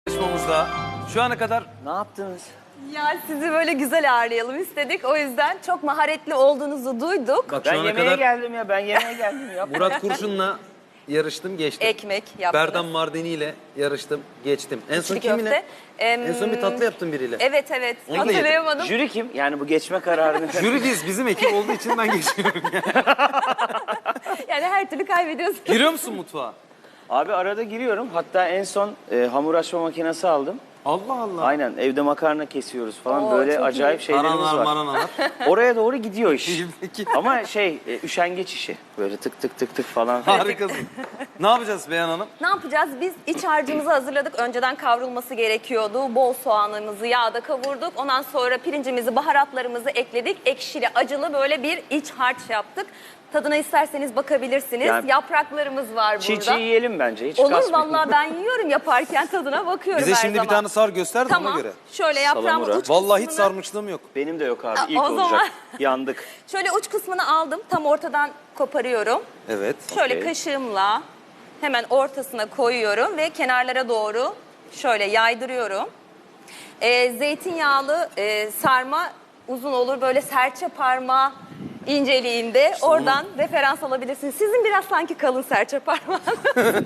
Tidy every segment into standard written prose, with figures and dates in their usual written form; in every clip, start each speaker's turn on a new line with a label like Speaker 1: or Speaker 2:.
Speaker 1: Yarışmamızda şu ana kadar
Speaker 2: Ne yaptınız?
Speaker 3: Ya sizi böyle güzel ağırlayalım istedik. O yüzden çok maharetli olduğunuzu duyduk.
Speaker 1: bak
Speaker 2: Ben
Speaker 1: şu ana
Speaker 2: yemeğe
Speaker 1: kadar
Speaker 2: geldim ya. Ben yemeğe geldim ya.
Speaker 1: Murat Kurşun'la yarıştım, geçtim.
Speaker 3: Ekmek yaptınız.
Speaker 1: Berdan Mardini ile yarıştım, geçtim. En son
Speaker 3: İçli
Speaker 1: kiminle?
Speaker 3: köfte.
Speaker 1: En son bir tatlı yaptım biriyle.
Speaker 3: Evet evet.
Speaker 1: Onu da yedim.
Speaker 3: Hatırlayamadım.
Speaker 2: Jüri kim? Yani bu geçme kararını.
Speaker 1: Jüri biz, bizim ekip olduğu için ben geçiyorum.
Speaker 3: Yani her türlü kaybediyorsun.
Speaker 1: Giriyor musun mutfağa?
Speaker 2: Abi arada giriyorum. Hatta en son hamur açma makinesi aldım.
Speaker 1: Allah Allah.
Speaker 2: Aynen evde makarna kesiyoruz falan.
Speaker 3: Oo,
Speaker 2: Böyle
Speaker 3: çok
Speaker 2: acayip
Speaker 3: iyi.
Speaker 2: şeylerimiz
Speaker 1: Maranalar,
Speaker 2: var.
Speaker 1: maranalar.
Speaker 2: Oraya doğru gidiyor iş.
Speaker 1: Peki.
Speaker 2: Ama üşengeç işi. Böyle tık tık tık tık falan.
Speaker 1: Harikasın. Ne yapacağız Beyhan Hanım?
Speaker 3: Ne yapacağız? Biz iç harcımızı hazırladık. Önceden kavrulması gerekiyordu. Bol soğanımızı yağda kavurduk. Ondan sonra pirincimizi, baharatlarımızı ekledik. Ekşili, acılı böyle bir iç harç yaptık. Tadına isterseniz bakabilirsiniz.
Speaker 2: Yani-
Speaker 3: Yapraklarımız var burada.
Speaker 2: Çiğ çiğ yiyelim bence. Hiç
Speaker 3: Olur
Speaker 2: kasmayalım.
Speaker 3: vallahi ben yiyorum yaparken tadına bakıyorum
Speaker 1: Bize
Speaker 3: her
Speaker 1: şimdi
Speaker 3: zaman.
Speaker 1: bir tane sar göster de
Speaker 3: Tamam.
Speaker 1: ona göre.
Speaker 3: Şöyle yaprağımın
Speaker 2: Salamura.
Speaker 3: uç
Speaker 1: Vallahi hiç
Speaker 3: kısmını-
Speaker 1: sarmışlığım yok.
Speaker 2: Benim de yok abi.
Speaker 3: Ha,
Speaker 2: İlk
Speaker 3: o
Speaker 2: olacak.
Speaker 3: zaman-
Speaker 2: Yandık.
Speaker 3: Şöyle uç kısmını aldım. Tam ortadan koparıyorum.
Speaker 1: Evet.
Speaker 3: Şöyle
Speaker 2: Okey.
Speaker 3: kaşığımla hemen ortasına koyuyorum ve kenarlara doğru şöyle yaydırıyorum. Zeytinyağlı sarma uzun olur. Böyle serçe parmağı inceliğinde. Oradan referans alabilirsiniz. Sizin biraz sanki kalın serçe parmağınız.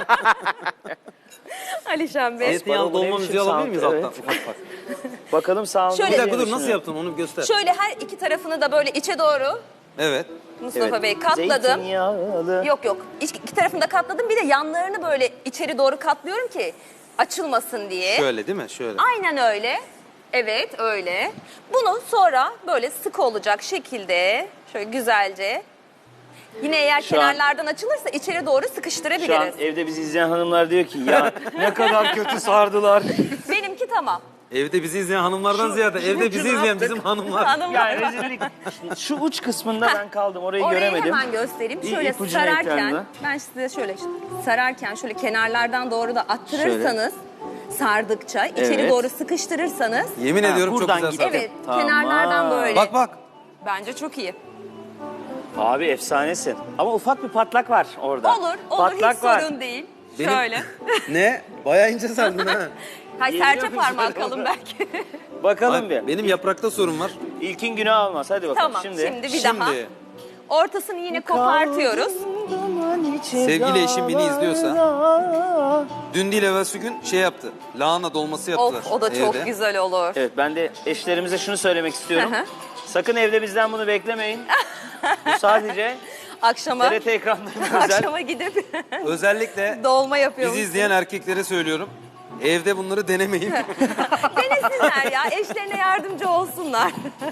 Speaker 3: Alişan Bey.
Speaker 1: Zeytinyağlı
Speaker 2: bu ne
Speaker 1: dolma
Speaker 2: biçim
Speaker 1: müziği alabilir miyiz
Speaker 2: sound?
Speaker 1: alttan?
Speaker 2: Evet.
Speaker 1: Ufak ufak.
Speaker 2: Bakalım sağ
Speaker 3: Şöyle-
Speaker 1: Bir dakika dur, nasıl yaptın onu göster.
Speaker 3: Şöyle her iki tarafını da böyle içe doğru
Speaker 1: Evet.
Speaker 3: Mustafa Bey katladım.
Speaker 2: Zeytinyağlı.
Speaker 3: Yok yok. İki tarafını da katladım. Bir de yanlarını böyle içeri doğru katlıyorum ki açılmasın diye.
Speaker 1: Şöyle değil mi? Şöyle.
Speaker 3: Aynen öyle. Evet öyle. Bunu sonra böyle sık olacak şekilde şöyle güzelce. Yine eğer
Speaker 2: Şu an-
Speaker 3: kenarlardan açılırsa içeri doğru
Speaker 2: Şu an
Speaker 3: sıkıştırabiliriz.
Speaker 2: evde bizi izleyen hanımlar diyor ki ya ne kadar kötü sardılar.
Speaker 3: Benimki tamam.
Speaker 1: Evde bizi izleyen hanımlardan ziyade evde bizi izleyen bizim hanımlar.
Speaker 3: Hanımlar.
Speaker 2: Yani rezillik. Şu uç kısmında ben kaldım. Orayı
Speaker 3: Orayı
Speaker 2: göremedim.
Speaker 3: hemen göstereyim.
Speaker 2: İ-
Speaker 3: Şöyle
Speaker 2: ipucunu
Speaker 3: sararken,
Speaker 2: ekranda.
Speaker 3: ben size şöyle sararken şöyle kenarlardan doğru da attırırsanız, sardıkça içeri
Speaker 2: Evet.
Speaker 3: doğru sıkıştırırsanız,
Speaker 1: Yemin
Speaker 2: Ha,
Speaker 1: ediyorum çok
Speaker 2: buradan
Speaker 1: güzel
Speaker 2: gidelim.
Speaker 1: sardı.
Speaker 3: evet
Speaker 2: Tamam.
Speaker 3: kenarlardan böyle.
Speaker 1: Bak bak.
Speaker 3: Bence çok iyi.
Speaker 2: Abi efsanesin. Ama ufak bir patlak var orada.
Speaker 3: Olur, olur
Speaker 2: Patlak
Speaker 3: hiç
Speaker 2: var.
Speaker 3: sorun değil.
Speaker 1: Benim-
Speaker 3: Şöyle.
Speaker 1: Ne? Bayağı ince sardın ha.
Speaker 3: Hay
Speaker 2: Geliyor
Speaker 3: serçe
Speaker 2: mu
Speaker 3: parmağı
Speaker 2: şöyle
Speaker 3: kalın
Speaker 2: olur?
Speaker 3: belki.
Speaker 2: Bakalım
Speaker 1: Ay,
Speaker 2: bir.
Speaker 1: benim yaprakta sorun var.
Speaker 2: İlkin günah almaz. Hadi bakalım.
Speaker 3: Tamam şimdi, bir
Speaker 1: Şimdi
Speaker 3: daha. Ortasını yine kopartıyoruz.
Speaker 1: Sevgili eşim beni izliyorsa, dün değil evvelsi gün şey yaptı. Lahana dolması yaptılar.
Speaker 3: Of o da çok
Speaker 1: evde.
Speaker 3: güzel olur.
Speaker 2: Evet ben de eşlerimize şunu söylemek istiyorum.
Speaker 3: Hı hı.
Speaker 2: Sakın evde bizden bunu beklemeyin. Bu sadece
Speaker 3: Akşama,
Speaker 2: TRT ekranlarında özel.
Speaker 3: akşama gidip
Speaker 1: Özellikle
Speaker 3: dolma yapıyoruz.
Speaker 1: bizi izleyen erkeklere söylüyorum. Evde bunları denemeyin.
Speaker 3: Denesinler ya, eşlerine yardımcı olsunlar.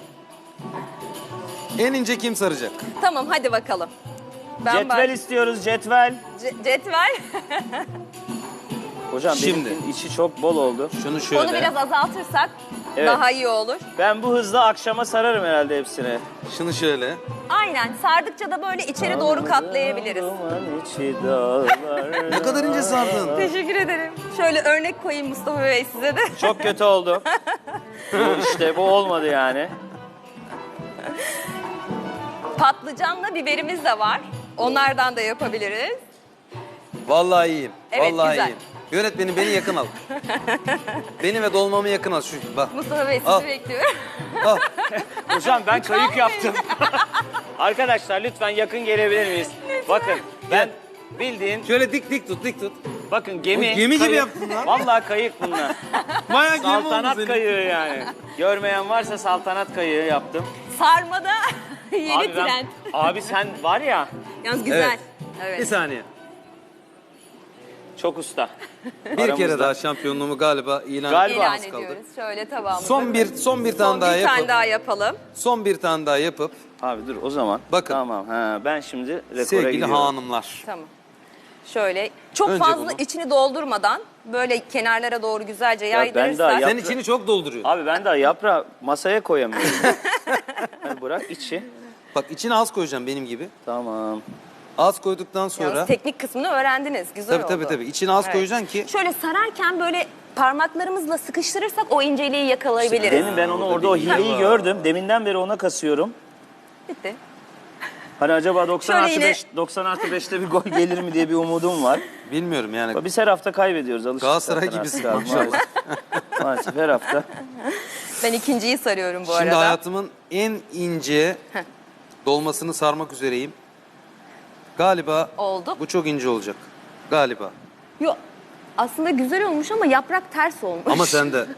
Speaker 1: En ince kim saracak?
Speaker 3: Tamam hadi bakalım.
Speaker 2: Cetvel istiyoruz cetvel.
Speaker 3: Cetvel.
Speaker 2: Hocam
Speaker 1: Şimdi.
Speaker 2: benimkinin içi çok bol oldu.
Speaker 1: Şunu şöyle.
Speaker 3: Onu biraz azaltırsak
Speaker 2: Evet.
Speaker 3: daha iyi olur.
Speaker 2: Ben bu hızla akşama sararım herhalde hepsini.
Speaker 1: Şunu şöyle.
Speaker 3: Aynen sardıkça da böyle içeri doğru katlayabiliriz.
Speaker 2: Duman içi dağlar.
Speaker 1: Ne kadar ince sardın.
Speaker 3: Teşekkür ederim. Şöyle örnek koyayım Mustafa Bey size de.
Speaker 2: Çok kötü oldu. bu olmadı yani.
Speaker 3: Patlıcanla biberimiz de var. Onlardan da yapabiliriz.
Speaker 1: Vallahi iyiyim.
Speaker 3: Evet,
Speaker 1: Vallahi
Speaker 3: güzel.
Speaker 1: iyiyim. Yönetmenim beni yakın al. Beni ve dolmamı yakın al. Şu, bak.
Speaker 3: Mustafa Bey sizi
Speaker 1: Al.
Speaker 3: bekliyorum.
Speaker 1: Al.
Speaker 2: Hocam ben kayık
Speaker 3: Lütfen.
Speaker 2: yaptım. Arkadaşlar lütfen yakın gelebilir miyiz? Bakın ben bildiğin
Speaker 1: Şöyle dik dik tut, dik tut.
Speaker 2: bakın gemi.
Speaker 1: Oğlum, gemi gibi
Speaker 2: kayık.
Speaker 1: yaptın lan.
Speaker 2: Vallahi kayık bunlar.
Speaker 1: Bayağı gemi oldu
Speaker 2: Saltanat
Speaker 1: senin.
Speaker 2: kayığı yani. Görmeyen varsa saltanat kayığı yaptım.
Speaker 3: Sarmada yeni
Speaker 2: Abi,
Speaker 3: trend.
Speaker 2: abi sen var ya
Speaker 3: Yalnız güzel.
Speaker 1: Evet.
Speaker 3: Evet.
Speaker 1: Bir saniye.
Speaker 2: çok usta.
Speaker 1: Bir kere
Speaker 2: Aramızda.
Speaker 1: daha şampiyonluğumu galiba
Speaker 2: Galiba.
Speaker 3: İlan
Speaker 1: etmemiz kaldı.
Speaker 3: ediyoruz. Şöyle tabağımızı.
Speaker 1: Son bir tane daha
Speaker 3: bir
Speaker 1: yapıp
Speaker 3: tane daha yapalım.
Speaker 1: son bir tane daha yapıp
Speaker 2: Abi dur o zaman.
Speaker 1: Bakın.
Speaker 2: Tamam. Ha, ben şimdi rekora
Speaker 1: sevgili
Speaker 2: gidiyorum.
Speaker 1: hanımlar.
Speaker 3: Tamam. Şöyle çok
Speaker 1: Önce
Speaker 3: fazla
Speaker 1: bunu.
Speaker 3: içini doldurmadan böyle kenarlara doğru güzelce
Speaker 2: ben daha
Speaker 3: yaydırırsak.
Speaker 2: yap-
Speaker 1: Sen içini çok dolduruyor.
Speaker 2: Abi ben daha yaprağı masaya koyamıyorum. Hadi bırak içi.
Speaker 1: Bak içine az koyacağım benim gibi.
Speaker 2: Tamam.
Speaker 1: Az koyduktan sonra
Speaker 3: Yalnız teknik kısmını öğrendiniz. Güzel
Speaker 1: tabii
Speaker 3: oldu.
Speaker 1: tabii içine az
Speaker 3: Evet.
Speaker 1: koyacaksın ki
Speaker 3: Şöyle sararken böyle parmaklarımızla sıkıştırırsak o inceliği yakalayabiliriz.
Speaker 2: Demin ben onu orada o hileyi gördüm. Deminden beri ona kasıyorum.
Speaker 3: Bitti.
Speaker 2: Hani acaba 90
Speaker 3: Şöyle
Speaker 2: artı
Speaker 3: yine-
Speaker 2: 5, 90 artı 5'te bir gol gelir mi diye bir umudum var.
Speaker 1: Bilmiyorum yani.
Speaker 2: Biz her hafta kaybediyoruz. Alıştık
Speaker 1: Galatasaray
Speaker 2: zaten
Speaker 1: gibisin
Speaker 2: artık abi,
Speaker 1: maşallah.
Speaker 2: Maalesef her hafta.
Speaker 3: Ben ikinciyi sarıyorum bu
Speaker 1: Şimdi
Speaker 3: arada.
Speaker 1: hayatımın en ince dolmasını sarmak üzereyim. Galiba
Speaker 3: Oldu.
Speaker 1: bu çok ince olacak. Galiba.
Speaker 3: Yok. Aslında güzel olmuş ama yaprak ters olmuş.
Speaker 1: Ama sen de.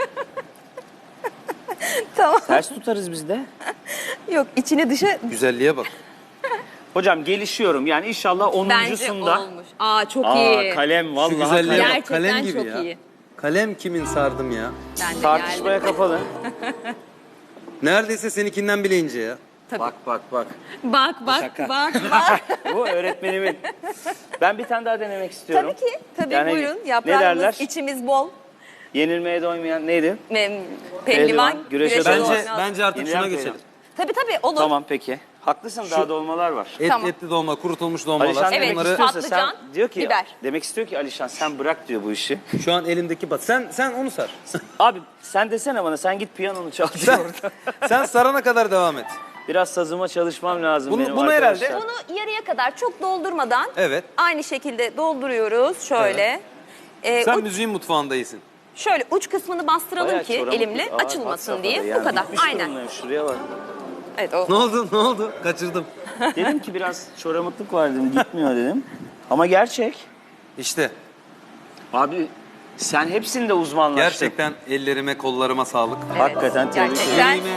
Speaker 3: Tamam.
Speaker 2: Ters tutarız biz de.
Speaker 3: Yok içine dışa
Speaker 1: Güzelliğe bak.
Speaker 2: Hocam gelişiyorum. Yani inşallah
Speaker 3: bence
Speaker 2: 10'uncusunda.
Speaker 3: olmuş. Aa çok
Speaker 2: Aa,
Speaker 3: iyi.
Speaker 2: kalem
Speaker 1: Şu
Speaker 2: vallahi
Speaker 1: güzelliğe
Speaker 2: kalem.
Speaker 1: bak.
Speaker 3: Gerçekten
Speaker 1: Kalem gibi
Speaker 3: çok
Speaker 1: ya.
Speaker 3: iyi.
Speaker 1: Kalem kimin sardım ya?
Speaker 3: Ben de
Speaker 2: Tartışmaya
Speaker 3: geldim.
Speaker 2: kapalı.
Speaker 1: Neredeyse seninkinden bile ince ya.
Speaker 3: Tabii.
Speaker 2: Bak.
Speaker 3: Bak
Speaker 2: Şaka.
Speaker 3: bak.
Speaker 2: Bu öğretmenimin. Ben bir tane daha denemek istiyorum.
Speaker 3: Tabii ki. Tabii
Speaker 2: Yani
Speaker 3: buyurun.
Speaker 2: ne
Speaker 3: Yaprağımız,
Speaker 2: derler?
Speaker 3: içimiz bol.
Speaker 2: Yenilmeye doymayan neydi?
Speaker 3: Pehlivan,
Speaker 2: güreşe
Speaker 3: güreşe
Speaker 2: doymaz.
Speaker 1: Bence, bence artık
Speaker 2: Yeniden
Speaker 1: şuna
Speaker 2: koyalım.
Speaker 1: geçelim.
Speaker 3: Tabii olur.
Speaker 2: Tamam peki. Haklısın daha dolmalar var.
Speaker 3: Tamam.
Speaker 1: Etli dolma, kurutulmuş dolmalar.
Speaker 2: Alişan
Speaker 3: Evet,
Speaker 2: demek
Speaker 1: Bunları
Speaker 2: istiyorsa
Speaker 3: patlıcan,
Speaker 2: sen diyor ki
Speaker 3: biber.
Speaker 2: demek istiyor ki Alişan sen bırak diyor bu işi.
Speaker 1: şu an elimdeki bat. Sen onu sar.
Speaker 2: Abi sen desene bana sen git piyanonu çal diyor orada.
Speaker 1: Sen sarana kadar devam et.
Speaker 2: Biraz sazıma çalışmam lazım
Speaker 1: Bunu-
Speaker 2: benim
Speaker 1: bunu
Speaker 2: arkadaşlar.
Speaker 1: herhalde-
Speaker 3: Bunu yarıya kadar çok doldurmadan
Speaker 1: Evet.
Speaker 3: aynı şekilde dolduruyoruz. Şöyle.
Speaker 1: Sen
Speaker 3: Uç-
Speaker 1: müziğin mutfağındaysın.
Speaker 3: şöyle uç kısmını bastıralım
Speaker 2: Bayağı
Speaker 3: ki
Speaker 2: çoramık.
Speaker 3: elimle
Speaker 2: Aa, had
Speaker 3: açılmasın
Speaker 2: safhada
Speaker 3: diye.
Speaker 2: yani.
Speaker 3: Bu kadar.
Speaker 2: Gitmiş
Speaker 3: Aynen.
Speaker 2: durumdayım, şuraya bak.
Speaker 3: Evet o.
Speaker 1: Ne oldu? Ne oldu? Kaçırdım.
Speaker 2: Dedim ki biraz çoramıklık var dedim gitmiyor dedim. Ama gerçek.
Speaker 1: İşte
Speaker 2: Abi sen hepsinde uzmanlaştın.
Speaker 1: gerçekten ellerime, kollarıma sağlık.
Speaker 2: Hakikaten tebrik
Speaker 3: Gerçekten.
Speaker 2: ederim.
Speaker 1: Yüreğime,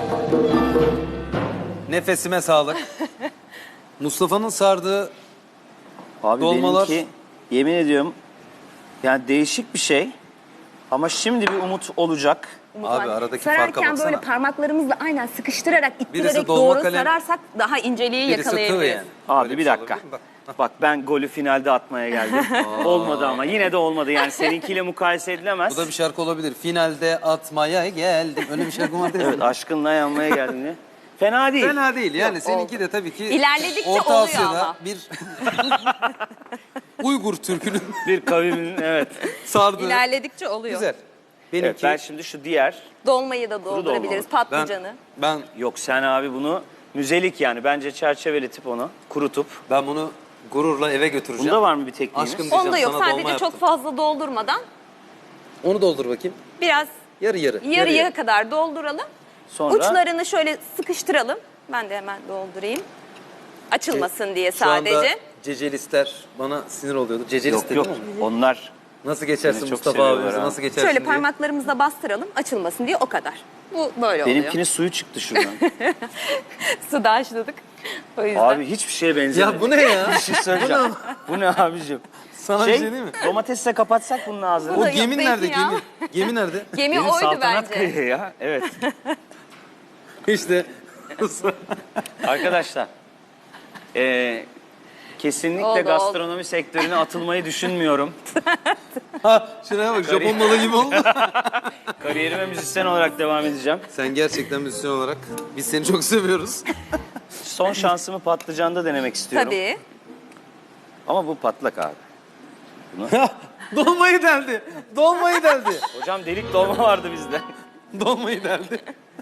Speaker 1: nefesime sağlık. Mustafa'nın sardığı
Speaker 2: Abi
Speaker 1: Dolmalar-
Speaker 2: benimki yemin ediyorum yani değişik bir şey. Ama şimdi bir umut olacak.
Speaker 1: Abi aradaki farka
Speaker 3: Sararken
Speaker 1: baksana.
Speaker 3: böyle parmaklarımızla aynen sıkıştırarak, ittirerek
Speaker 1: dolma
Speaker 3: doğru
Speaker 1: kalem,
Speaker 3: sararsak daha inceliği
Speaker 1: birisi tığ
Speaker 3: yakalayabiliriz.
Speaker 1: yani.
Speaker 2: Abi
Speaker 1: Böyle
Speaker 2: bir
Speaker 1: şey
Speaker 2: dakika.
Speaker 1: olabilir mi? Bak.
Speaker 2: Bak ben golü finalde atmaya geldim. Olmadı ama yine de olmadı. Yani seninkiyle mukayese edilemez.
Speaker 1: Bu da bir şarkı olabilir. Finalde atmaya geldim. Öyle bir şarkı vardı ya.
Speaker 2: Evet aşkınla yanmaya geldim diye. Fena değil.
Speaker 1: Fena değil yani. Seninki de tabii ki
Speaker 3: İlerledikçe
Speaker 1: Orta
Speaker 3: oluyor
Speaker 1: Asya'da
Speaker 3: ama.
Speaker 1: bir Uygur türkünün
Speaker 2: Bir kavimin evet.
Speaker 1: sardığı.
Speaker 3: İlerledikçe oluyor.
Speaker 1: Güzel.
Speaker 2: Evet
Speaker 1: Benimki
Speaker 2: ben şimdi şu diğer.
Speaker 3: Dolmayı da doldurabiliriz,
Speaker 2: dolma
Speaker 3: patlıcanı.
Speaker 1: ben
Speaker 2: Yok sen abi bunu müzelik yani. Bence çerçeveletip onu kurutup.
Speaker 1: ben bunu gururla eve götüreceğim.
Speaker 2: Bunda var mı bir tekniğiniz?
Speaker 1: Aşkım
Speaker 3: Onda
Speaker 1: diyeceğim,
Speaker 3: yok.
Speaker 1: sana
Speaker 3: Sadece
Speaker 1: dolma
Speaker 3: çok
Speaker 1: yaptım.
Speaker 3: fazla doldurmadan
Speaker 1: Onu doldur bakayım.
Speaker 3: biraz
Speaker 1: Yarı yarı.
Speaker 3: yarıya kadar dolduralım.
Speaker 2: Sonra
Speaker 3: Uçlarını şöyle sıkıştıralım. Ben de hemen doldurayım. Açılmasın diye
Speaker 1: Şu anda
Speaker 3: sadece.
Speaker 1: cecelistler bana sinir oluyordu. Cecelist
Speaker 2: yok
Speaker 1: dedin
Speaker 2: yok
Speaker 1: mi?
Speaker 2: onlar
Speaker 1: Nasıl geçersin
Speaker 2: Seni çok
Speaker 1: Mustafa
Speaker 2: seviyorlar
Speaker 1: abimizi?
Speaker 2: ha.
Speaker 1: Nasıl geçersin
Speaker 3: Şöyle
Speaker 1: diye.
Speaker 3: parmaklarımızla bastıralım. Açılmasın diye o kadar. Bu böyle oluyor.
Speaker 2: benimkinin suyu çıktı şuradan.
Speaker 3: Suda haşladık. O yüzden.
Speaker 2: Abi hiçbir şeye benzemiyor.
Speaker 1: Ya bu ne ya?
Speaker 2: Bir şey söyleyeceğim. Bu ne abicim?
Speaker 1: Sana bir şey değil mi?
Speaker 2: Domatesle kapatsak bunun ağzını.
Speaker 3: Bu
Speaker 1: O
Speaker 3: da
Speaker 1: gemin
Speaker 3: yok,
Speaker 1: nerede?
Speaker 3: zeytinyağı.
Speaker 1: Gemi. Gemi nerede?
Speaker 3: Gemi
Speaker 2: Benim
Speaker 3: oydu
Speaker 2: saltanat
Speaker 3: bence.
Speaker 2: kayığı ya. Evet.
Speaker 1: İşte.
Speaker 2: Arkadaşlar. Kesinlikle
Speaker 3: Oldu,
Speaker 2: gastronomi sektörüne atılmayı düşünmüyorum.
Speaker 1: Ha şuraya bak Japon malı gibi oldu.
Speaker 2: Kariyerime müzisyen olarak devam edeceğim.
Speaker 1: Sen gerçekten müzisyen olarak biz seni çok seviyoruz.
Speaker 2: Son şansımı patlıcanda denemek istiyorum.
Speaker 3: Tabii.
Speaker 2: Ama bu patlak abi.
Speaker 1: Dolmayı deldi. Dolmayı deldi.
Speaker 2: Hocam delik dolma vardı bizde.
Speaker 1: Dolmayı deldi.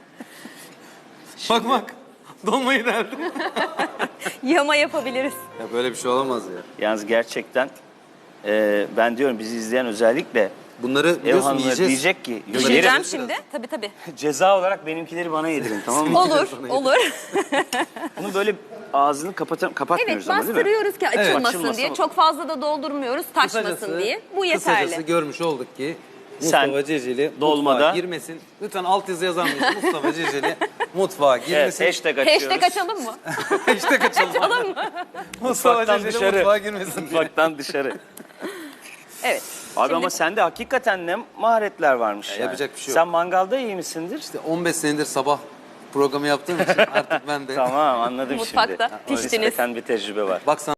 Speaker 1: Bak bak. Dolmayı deldi.
Speaker 3: Yama yapabiliriz.
Speaker 1: Ya böyle bir şey olamaz ya.
Speaker 2: Yalnız gerçekten ben diyorum bizi izleyen özellikle
Speaker 1: Bunları
Speaker 2: ev
Speaker 1: biliyorsun
Speaker 2: hanımları
Speaker 1: yiyeceğiz.
Speaker 2: diyecek ki
Speaker 1: Yiyeceğiz.
Speaker 2: yerim.
Speaker 3: Yiyeceğim şimdi. Tabii tabii.
Speaker 2: Ceza olarak benimkileri bana yedirin tamam mı?
Speaker 3: Olur, olur.
Speaker 2: Bunu böyle ağzını kapatmıyoruz
Speaker 3: Evet,
Speaker 2: ama değil mi?
Speaker 3: bastırıyoruz ki açılmasın
Speaker 2: açılmasın
Speaker 3: diye.
Speaker 2: ama.
Speaker 3: Çok fazla da doldurmuyoruz, taşmasın diye. Bu
Speaker 1: Kısacası
Speaker 3: yeterli.
Speaker 1: görmüş olduk ki
Speaker 2: Sen
Speaker 1: Mustafa Ceceli
Speaker 2: dolmada-
Speaker 1: mutfağa girmesin. Lütfen alt yazı yazar mısın? Mustafa Ceceli mutfağa
Speaker 2: Evet,
Speaker 1: girmesin.
Speaker 2: hashtag açıyoruz.
Speaker 3: Hashtag açalım mı?
Speaker 1: Hashtag açalım. Mustafa
Speaker 2: Mutfaktan
Speaker 1: Ceceli
Speaker 2: dışarı.
Speaker 1: mutfağa girmesin diye.
Speaker 2: Mutfaktan dışarı.
Speaker 3: Evet.
Speaker 2: Abi
Speaker 3: Şimdi-
Speaker 2: ama sende hakikaten ne maharetler varmış yani.
Speaker 1: yapacak bir şey yok.
Speaker 2: Sen mangalda iyi misindir?
Speaker 1: İşte 15 senedir sabah programı yaptığım için artık ben de.
Speaker 2: Tamam anladım
Speaker 3: Mutfakta
Speaker 2: şimdi.
Speaker 3: piştiniz.
Speaker 2: Nispeten bir tecrübe var.
Speaker 1: Bak sana